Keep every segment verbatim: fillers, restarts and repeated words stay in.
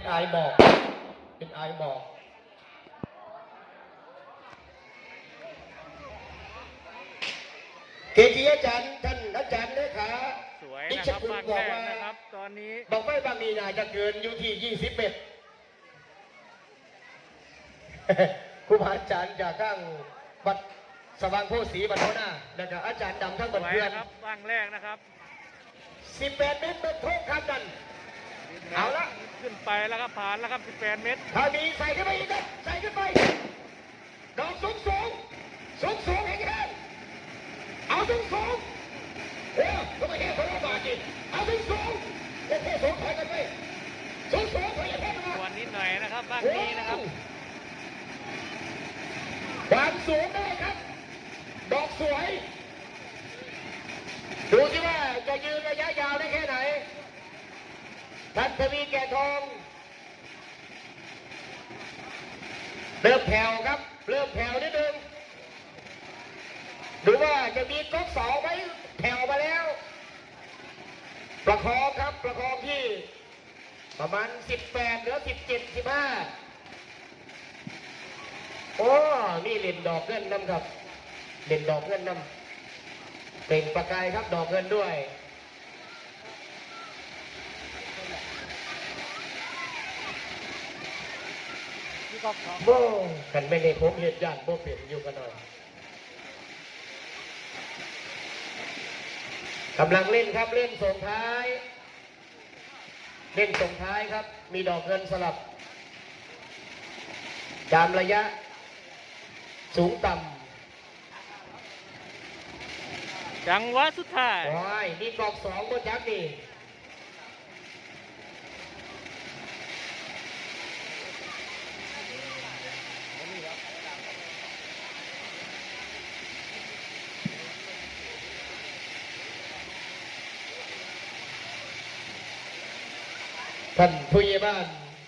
เป็นไอบอกเป็นไอบอกเกจิอาจารย์ท่านอาจารย์เลขาสวยนะครับบางแรกนะครับตอนนี้บอกไม่บางนี้น่าจะเกินอยู่ที่ยี่สิบเมตรครูบาอาจารย์จากข้างวัดสว่างโพสีบัดโนนานะครับอาจารย์ดำทั้งหมดเพื่อนครับบางแรกนะครับสิบแปดเมตรเป็นโทษครับนั่นเอาละขึ้นไปแล้วครับผ่านแล้วครับสิบแปดเมตรถ้ามีใส่ขึ้นไปอีกครับใส่ขึ้นไปดอกสูงสูงสูงสูงแข็งแรงเอาสูงสูงโอ้ก็ไม่แค่คนละบาทจิเอาสูงสูงโอ้โหสูงถอยกันไปสูงสูงถอยกันไปวันนิดหน่อยนะครับบางนี้นะครับความสูงได้ครับดอกสวยดูสิว่าจะยืนระยะยาวได้แค่ไหนทัศวีแก่ทองเริ่มแผ่วครับเริ่มแผ่วนิดนึงดูว่าจะมีก๊อกสองไหมแผ่วมาแล้วประคองครับประคองที่ประมาณสิบแปดหรือสิบเจ็ดสิบห้าโอ้นี่เล่นดอกเงินนำครับเล่นดอกเงินนำเต่งประกายครับดอกเงินด้วยโบ้กันไม่ได้ผมเหตุญาติโบ้เปลี่ยนอยู่กันหน่อยกำลังเล่นครับเล่นส่งท้ายเล่นส่งท้ายครับมีดอกเงินสลับตามระยะสูงต่ำจังหวะสุดท้ายโอ้ยนี่กอกสองบนยักษ์นี่ท่านผู้ใหญ่บ้าน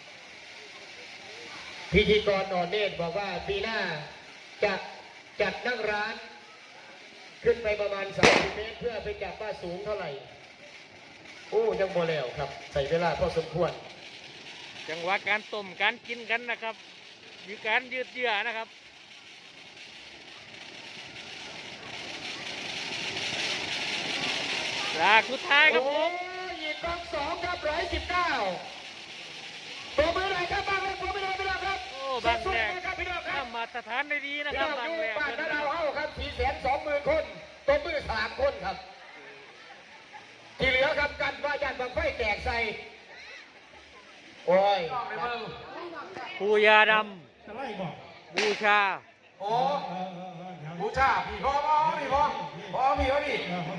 พิธีกรอ่อนเนตรบอกว่าปีหน้าจะจัดนั่งร้านขึ้นไปประมาณสามสิบเมตรเพื่อไปจับว่าสูงเท่าไหร่โอ้ยังโมแล้วครับใส่เวลาพอสมควรจังหวะการต้มการกินกันนะครับมีการยืดเยื้อนะครับหลักสุดท้ายครับผมยิงกองสองครับร้อยสิบเก้าตัวมือไหนครับบางแรกตัวไม่ได้ไม่ได้ครับโอ้บางแรกครับพี่น้องครับมาตรฐานได้ดีนะครับบางแรกบ้านเราเข้าครับสี่แสนสองหมื่นคนตัวมือสามคนครับที่เหลือครับกันว่ายันบางไฟแตกใส่โอ้ยปูยาดำบูชาโอ้บูชาพี่พ่อพ่อพี่พ่อพ่อพี่พ่อพี่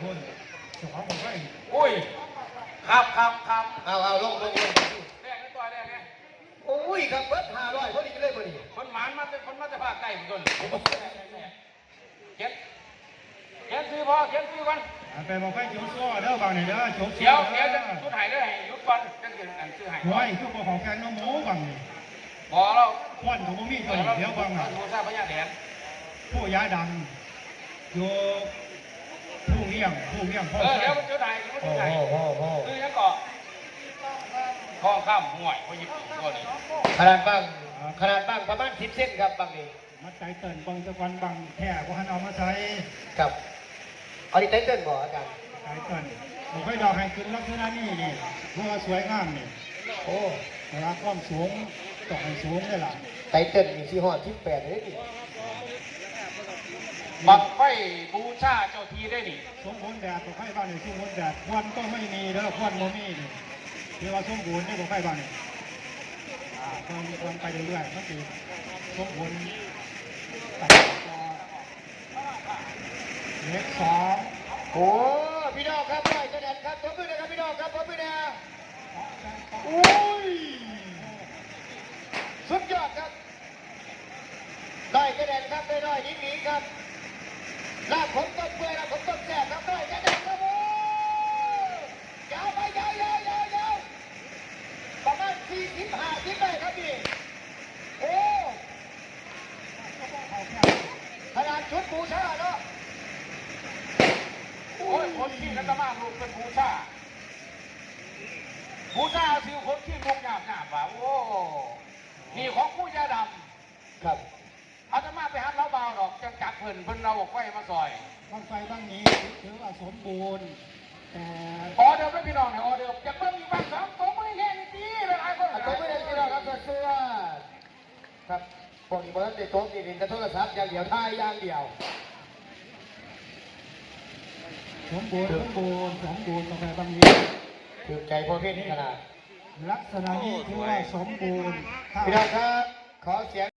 อุ้ยครับครับครับเอาเอาลงลงลงแรกนี่ตัวแรกไงโอ้ยครับเบิร์ดห้าร้อยพอดีเลยพอดีคนหมานมาเป็นคนมาจะพาไก่เหมือนกันเก็บเก็บซื้อพ่อเก็บซื้อกันไปบอกให้จุดซ้อเด้อบางเนี่ยเด้อจุดเดี๋ยวเดี๋ยวจะชุดหายได้ยุดก่อนจะเกิดอันซื้อหายห้อยชุดของแกงน้ำหมูบางนี่พอเราควันของมีตัวเดี๋ยวบางอ่ะผู้ทราบพญาแถนผู้ย้ายดังอยู่ผู้เลี้ยงผู้เลี้ยงพ่อเออเดี๋ยวมันชุดหายชุดหายคือยังเกาะข้อข้ามห่วยพอหยิบตัวนี้ขนาดบ้างขนาดบ้างประมาณสิบเซนครับบางนี่มัดใจเติ่นบางตะวันบางแท่ก็หันเอามาใช้กับเอาดิเต้นบอกอาจารย์ใจเติ่นผมให้ดอกให้ขึ้นลักษณะนี้นี่เพื่อสวยงามนี่โอ้เวลาความสูงต่อให้สูงได้ล่ะไตเติ้ลมีสี่ห้อที่แปดเลยดิบังไฟบูชาเจ้าทีได้นี่สมบูรณ์แบบของไฟบ้านนี่สมบูรณ์แบบควันก็ไม่มีเด้อควันโมมี่นี่ที่ว่าสมบูรณ์นี่ของไฟบ้านนี่อ่าควันควันไปเรื่อยๆก็คือสมบูรณ์ตัดต่อเล็กสองโอ้พี่น้องครับได้กระเด็นครับตัวมือนะครับพี่น้องครับตัวมือนะโอ้ยสุดยอดครับได้กระเด็นครับได้ได้ยิ่งนี้ครับลาบผมต้นเปื่อยลาบผมต้นแสบครับได้กระเด็นครับโอ้ยาวไปยาวยาวยาวยาวประมาณสี่สิบห้าสิบได้ครับพี่โอ้ขนาดชุดบูชาเนาะโอ้ยคนที่นักมาลูกเป็นบูชาบูผู้ชายซิวคนที่ลุกหยาบหยาบว่ะโอ้นี่ของผู้ยาดำครับอาตมาไปหันเราเบาดอกจังจักเพิ่นเพิ่นเราบอกไฟมาซอยบ้างไฟบ้างนี้ถือว่าสมบูรณ์แต่ออเดิมไม่พี่น้องเนี่ยออเดิมจะเพิ่มอีกบ้างสองตัวไม่แค่นี้ดีหลายคนอ่ะตัวไม่ได้ที่เราครับเสื้อครับพวกนี้บอลติดโต๊ะติดดินจะโทรศัพท์อย่างเดียวท่ายอย่างเดียวสมบูรณ์สมบูรณ์สมบูรณ์บ้างไฟบ้างนี้ถือใจพวกพี่นี่ขนาดลักษณะนี้ถือว่าสมบูรณ์ถ้าพี่น้องครับ ขอเสียง